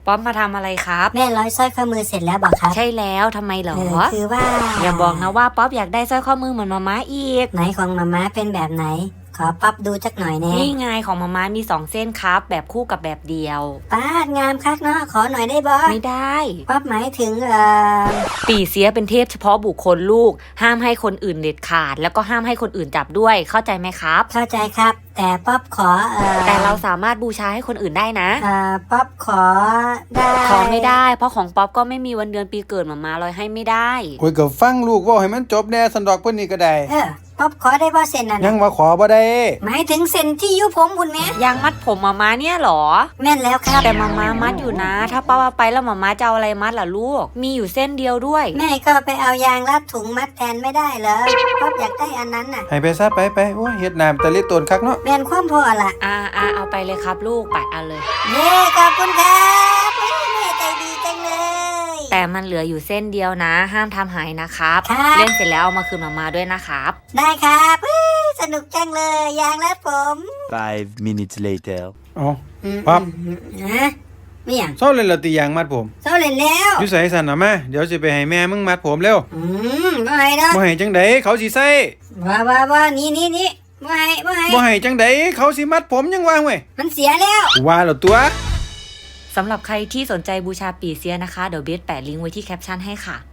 ป๊อปมาทำอะไรครับแม่ร้อยสร้อยข้อมือเสร็จแล้วบอกครับใช่แล้วทำไมเหรอคือว่าอย่าบอกนะว่าป๊อปอยากได้สร้อยข้อมือเหมือนมาม่าอีกไหนของมาม่าเป็นแบบไหนขอป๊อปดูจักหน่อยแน่นี่ไงของมาม่ามี2เส้นครับแบบคู่กับแบบเดียวป้างามคักเนาะขอหน่อยได้บ่ไม่ได้ป๊อปหมายถึงปี่เสียเป็นเทพเฉพาะบุคคลลูกห้ามให้คนอื่นเด็ดขาดแล้วก็ห้ามให้คนอื่นจับด้วยเข้าใจไหมครับเข้าใจครับแต่ป๊อปขอแต่เราสามารถบูชาให้คนอื่นได้นะป๊อปขอได้ขอไม่ได้เพราะของป๊อปก็ไม่มีวันเดือนปีเกิดมาม่าลอยให้ไม่ได้โอ้ยก็ฟังลูกว่าให้มันจบแน่สันดอกเพิ่นนี่ก็ได้ป๊อปขอได้บ่เซ็นนั่นยังว่าขอบ่ได้หมายถึงเซ็นที่ยุผมบุญแม่ยางมัดผมมาม่าเนี่ยหรอแม่นแล้วครับแต่มาม่ามัดอยู่นะถ้าป๊อปเอาไปแล้วมาม่าจะเอาอะไรมัดล่ะลูกมีอยู่เส้นเดียวด้วยแม่ก็ไปเอายางรัดถุงมัดแทนไม่ได้เหรอป๊อปอยากได้อันนั้นน่ะให้ไปซะไปโอ้ยเฮ็ดน้ำตะลิตนคักเนาะแม่นความพอล่ะเอาไปเลยครับลูกไปเอาเลยเย้ขอบคุณครับแม่ใจดีจังเลยแต่มันเหลืออยู่เส้นเดียวนะห้ามทำหายนะครับเล่นเสร็จแล้วเอามาคืนมาม่าด้วยนะครับได้ครับสนุกจังเลยยางรัดผม 5 minutes later อ๋อปั๊บไม่อย่างเซาเล่นละติยางมัดผมเซาเล่นแล้วอยู่ไสสั่นน่ะมาเดี๋ยวสิไปให้แม่มึงมัดผมเร็วบ่ให้ดอกบ่ให้จังได๋เขาสิใส่ว่านี่บ่ให้จังได๋เขาสิมัดผมยังว่าเว้ยมันเสียแล้วว่าแล้วตัวสำหรับใครที่สนใจบูชาปี่เสียนะคะเดี๋ยวเบสแปะลิงก์ไว้ที่แคปชั่นให้ค่ะ